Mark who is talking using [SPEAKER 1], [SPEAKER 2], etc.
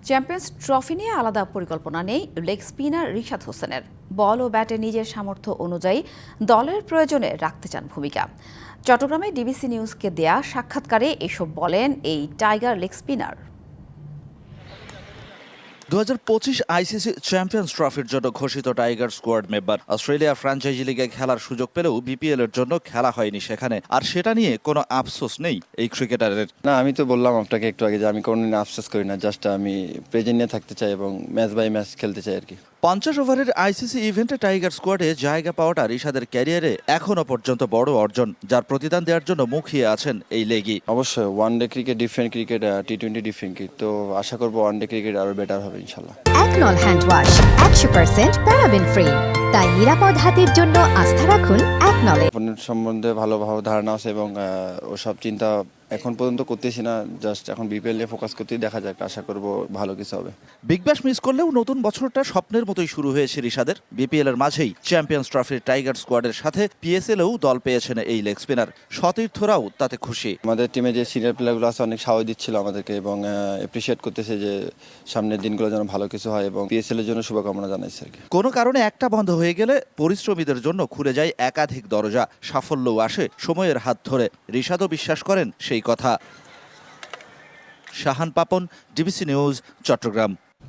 [SPEAKER 1] Champions trophy নিয়ে আলাদা পরিকল্পনা নেই লেগ স্পিনার রিশাদ হোসেনের। বল ও ব্যাটে নিজের সামর্থ্য অনুযায়ী দলের প্রয়োজনে রাখতে চান ভূমিকা। চট্টগ্রামে ডিবিসি নিউজকে দেয়া সাক্ষাৎকারে এসব বলেন এই tiger leg spinner.
[SPEAKER 2] 2025 ICC champions ট্রফির জন্য ঘোষিত tiger squad member Australia franchise লিগে খেলার সুযোগ পেলেও বিপিএল এর জন্য খেলা হয়নি সেখানে। আর সেটা নিয়ে কোনো আফসোস নেই এই ক্রিকেটারের।
[SPEAKER 3] না, আমি তো বললাম আপনাকে একটু আগে যে আমি কোনোদিন আফসোস করি না, জাস্ট আমি প্রেজেন্ট নিয়ে থাকতে চাই এবং ম্যাচ বাই ম্যাচ খেলতে চাই আর কি।
[SPEAKER 2] 50 ওভারের আইসিসি ইভেন্টে টাইগার স্কোয়াডে জায়গা পাওয়াটা রিশাদের ক্যারিয়ারে এখনো পর্যন্ত বড় অর্জন, যার প্রতিদান দেওয়ার জন্য মুখিয়ে আছেন এই লেগই।
[SPEAKER 3] অবশ্যই ওয়ানডে ক্রিকেট ডিফারেন্ট ক্রিকেট, টি20 ডিফারেন্ট ক্রিকেট, তো আশা করবো ওয়ানডে ক্রিকেট আরো বেটার হবে ইনশাল্লাহ।
[SPEAKER 4] একনল হ্যান্ড ওয়াশ 100% প্যারাবেন ফ্রি, তাই নিরাপদ হাতের জন্য আস্থা রাখুন একনলে।
[SPEAKER 3] অপোনেন্ট সম্বন্ধে ভালোভাবে ধারণা আছে এবং ওসব চিন্তা এখন পর্যন্ত করতেছি না, জাস্ট এখন বিপিএল নিয়ে ফোকাস করতেই, দেখা যাক, আশা করবো ভালো কিছু হবে।
[SPEAKER 2] বিগ ব্যাশ মিস করলেও নতুন বছরটা স্বপ্নের মতোই শুরু হয়েছে রিশাদের। বিপিএল এর মাঝেই চ্যাম্পিয়ন্স ট্রফির টাইগার স্কোয়াডের সাথে পিএসএলেও দল পেয়েছেন এই লেগ স্পিনার। সতীর্থরাও তাতে খুশি।
[SPEAKER 3] আমাদের টিমে যে সিনিয়র প্লেয়ারগুলো আছে অনেক সাহস দিচ্ছিল আমাদেরকে এবং এপ্রিসিয়েট করতেছে যে সামনের দিনগুলো যেন ভালো কিছু হয় এবং পিএসএল এর জন্য শুভকামনা জানাইছে আর কি।
[SPEAKER 2] কোনো কারণে একটা বন্ধ হয়ে গেলে পরিশ্রমীদের জন্য খুলে যায় একাধিক দরজা, সাফল্যও আসে সময়ের হাত ধরে। রিশাদও বিশ্বাস করেন সেই কথা। Shahan Papon, DBC news, Chittagong.